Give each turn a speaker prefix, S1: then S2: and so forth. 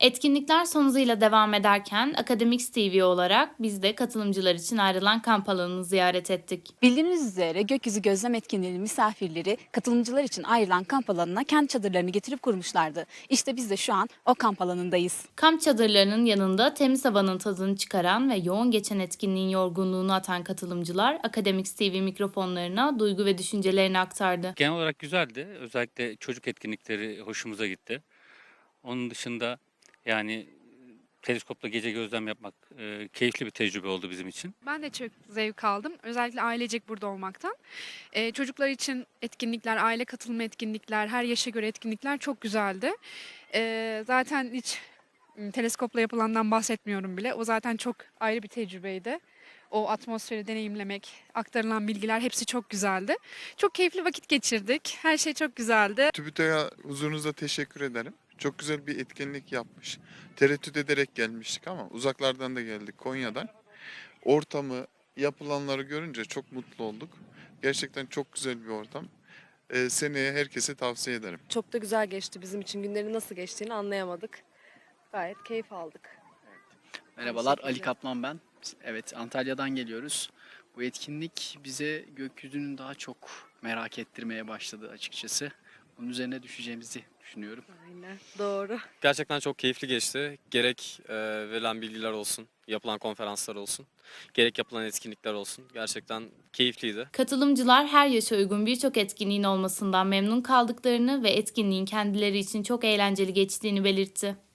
S1: Etkinlikler son hızıyla devam ederken Akademix TV olarak biz de katılımcılar için ayrılan kamp alanını ziyaret ettik.
S2: Bildiğiniz üzere gökyüzü gözlem etkinliğinin misafirleri katılımcılar için ayrılan kamp alanına kendi çadırlarını getirip kurmuşlardı. İşte biz de şu an o kamp alanındayız.
S1: Kamp çadırlarının yanında temiz havanın tadını çıkaran ve yoğun geçen etkinliğin yorgunluğunu atan katılımcılar Akademix TV mikrofonlarına duygu ve düşüncelerini aktardı.
S3: Genel olarak güzeldi. Özellikle çocuk etkinlikleri hoşumuza gitti. Onun dışında yani teleskopla gece gözlem yapmak keyifli bir tecrübe oldu bizim için.
S4: Ben de çok zevk aldım. Özellikle ailecek burada olmaktan. Çocuklar için etkinlikler, aile katılımı etkinlikler, her yaşa göre etkinlikler çok güzeldi. Zaten hiç teleskopla yapılandan bahsetmiyorum bile. O zaten çok ayrı bir tecrübeydi. O atmosferi deneyimlemek, aktarılan bilgiler hepsi çok güzeldi. Çok keyifli vakit geçirdik. Her şey çok güzeldi.
S5: TÜBİTAK'a huzurunuza teşekkür ederim. Çok güzel bir etkinlik yapmış. Tereddüt ederek gelmiştik ama uzaklardan da geldik, Konya'dan. Ortamı, yapılanları görünce çok mutlu olduk. Gerçekten çok güzel bir ortam. Seneye herkese tavsiye ederim.
S6: Çok da güzel geçti bizim için. Günlerin nasıl geçtiğini anlayamadık. Gayet keyif aldık.
S7: Merhabalar,
S6: Aynı
S7: Ali
S6: şekilde.
S7: Kaplan ben. Evet, Antalya'dan geliyoruz. Bu etkinlik bize gökyüzünün daha çok merak ettirmeye başladı açıkçası. Bunun üzerine düşeceğimizi düşünüyorum.
S6: Aynen. Doğru.
S8: Gerçekten çok keyifli geçti. Gerek verilen bilgiler olsun, yapılan konferanslar olsun, gerek yapılan etkinlikler olsun. Gerçekten keyifliydi.
S1: Katılımcılar her yaşa uygun birçok etkinliğin olmasından memnun kaldıklarını ve etkinliğin kendileri için çok eğlenceli geçtiğini belirtti.